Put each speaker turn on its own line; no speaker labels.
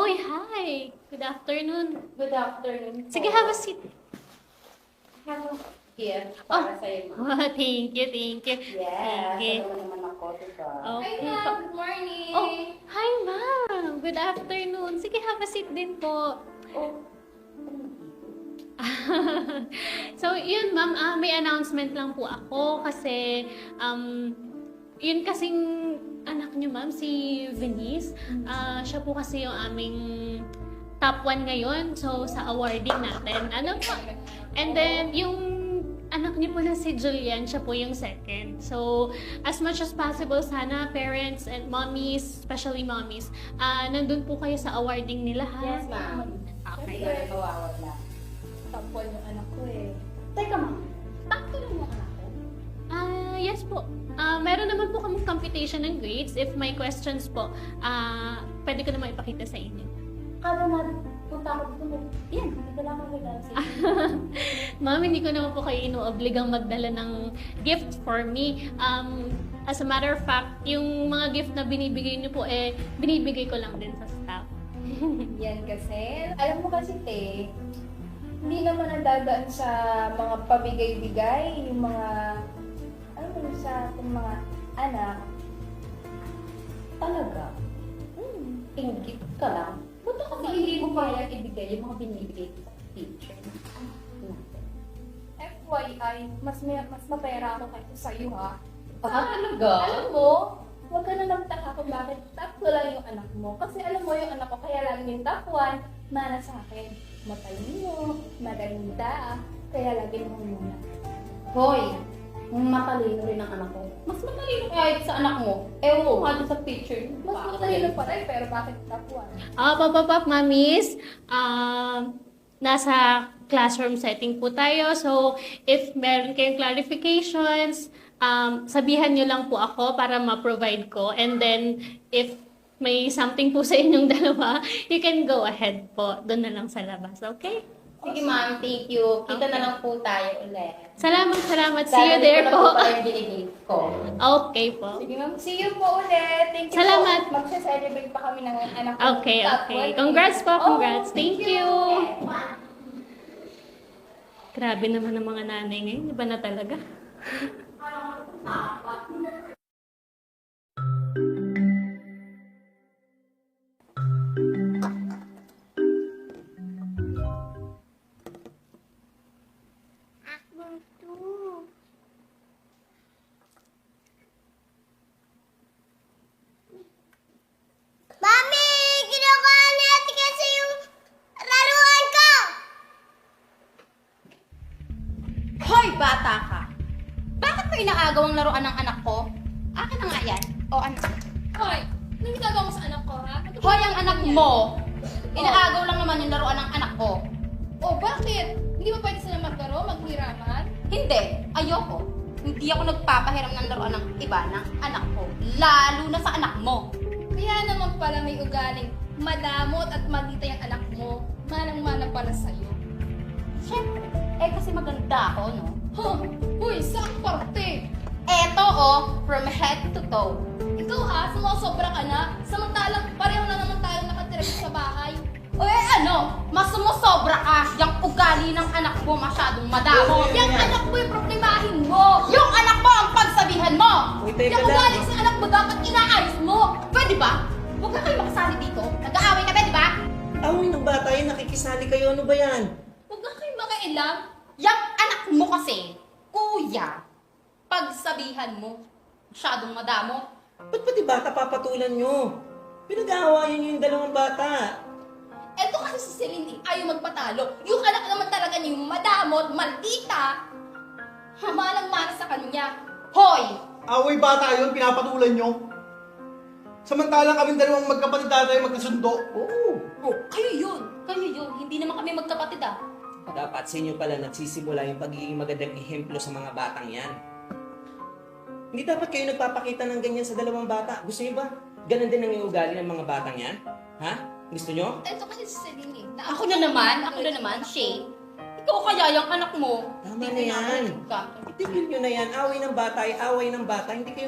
Hoy, hi! Good afternoon.
Good afternoon po.
Sige, have a seat.
Have a gift para sa'yo, ma'am.
Oh, thank you, thank you.
Yes,
Sige.
alam mo naman ako, diba?
Okay.
Hi, ma'am. Good morning.
Oh, hi, ma'am. Good afternoon. Sige, have a seat din po.
Oh.
So, yun, ma'am, may announcement lang po ako kasi, yun kasing anak niyo, ma'am, si Venice. Siya po kasi yung aming top 1 ngayon. So, sa awarding natin. Ano po? And then, yung anak niyo po na si Julian, siya po yung second. So, as much as possible, sana parents and mommies, especially mommies, nandun po kayo sa awarding nila, ha?
Yes, ma'am.
Okay.
Siyempre, kawawa na. Top 1 yung anak ko eh. Teka, ma'am. Top 2 lang yung anak ko?
Yes po. Meron naman po kaming computation ng grades. If may questions po, pwede ko naman ipakita sa inyo.
Kada na punta ako dito, yan, nagdala ko regalo sa inyo.
Ma'am, hindi ko naman po kayo inuobligang magdala ng gift for me. As a matter of fact, yung mga gift na binibigay niyo po, binibigay ko lang din sa staff.
Yan kasi, alam mo kasi te, hindi naman ang dadaan sa mga pabigay-bigay, yung mga, alam mo sa ating mga anak, talaga,
Ingit ka lang. Punta kasi hindi mo kaya ibigay yung mga binibigay sa teacher ng anak natin.
FYI, mas mapera ako kaysa sa'yo ha.
Talaga?
Alam mo, huwag ka na magtaka kung bakit top 2 lang yung anak mo. Kasi alam mo yung anak ko, kaya lang yung top 1, mana sa akin. Matalino, maganda, kaya lagi mo muna.
Hoy, matalino rin ang anak ko. Mas matalino kahit sa anak mo. Ewan ko nga doon sa picture.
Mas matalino pa rin, pero bakit top 1?
Pop, mamis. Nasa classroom setting po tayo. So, if meron kayong clarifications, sabihan nyo lang po ako para ma-provide ko. And then, if may something po sa inyong dalawa, you can go ahead po. Doon na lang sa labas. Okay?
Sige ma'am, thank you. Kita
Okay.
na lang po tayo ulit.
Salamat. See you there po.
Dahil ko na po yung binigay ko.
Okay po.
Sige ma'am, see you po ulit. Thank you
Salamat.
po. Magsa-celebrate pa kami ng anak ko.
Okay.
Top 1.
Congrats po, congrats.
Oh,
Thank you. Grabe naman ang mga nanay ngayon. Iba na talaga.
Mami! Kinukuha natin kasi yung laruan ko!
Hoy, bata ka! Bakit mo inaagaw ang laruan ng anak ko? Akin na nga yan. O, anak.
Hoy, anong ginagawa mo sa anak ko, ha?
Hoy, ang anak mo! Inaagaw lang naman yung laruan ng anak ko.
Oh, bakit? Hindi ba pwede sila maglaro, maghiraman?
Hindi. Ayoko. Hindi ako nagpapahiram ng laruan ng iba ng anak ko. Lalo na sa anak mo.
Kaya naman pala may ugaling madamot at maldita yung anak mo. Manang-mana para sa'yo.
Siyempre. Kasi maganda ako, no?
Huh? Uy, saan parte?
Eto, oh, from head to toe.
Ikaw ha, sumusobra ka na. Samantalang pareho na naman tayo nakatira sa bahay.
O ano? Mas sumusobra ka. Yung ugali ng anak mo masyadong madamo. Yung anak mo yung problemahin mo. Yung anak mo ang pagsabihan mo.
Uy, teka
Yung ugali
lang.
sa anak mo dapat inaayos mo. Pwede ba? Huwag na kayo makasali dito. Nag-aaway na ba, di ba?
Away ng bata yun, nakikisali kayo. Ano ba yan?
Huwag na kayo makailang.
Yung anak mo kasi, kuya, pagsabihan mo. Masyadong madamo.
Ba't pati bata papatulan nyo? Pinag-aawayan nyo yung dalawang bata.
Eto kasi si Celine, ayaw magpatalo. Yung anak naman talaga niya yung madamot, maldita. Malang-mana sa kanya.
Hoy!
Away bata yun, pinapatulan nyo. Samantalang kami dalawang magkapatid tayo magkasundo.
Oo.
Oh, kayo yun. Kayo yun. Hindi naman kami magkapatid ah.
Dapat sa inyo pala nagsisimula yung pagiging magandang ehemplo sa mga batang yan. Hindi dapat kayo nagpapakita ng ganyan sa dalawang bata. Gusto niyo ba? Ganon din ang iugali ng mga batang yan? Ha? Gusto nyo?
Eto kasi si Celine.
Ako na naman, Shay. Ikaw kaya yung anak mo.
Tama
Hindi
na yan.
ka.
Itigil nyo na yan. Away ng bata ay away ng bata. Hindi kayo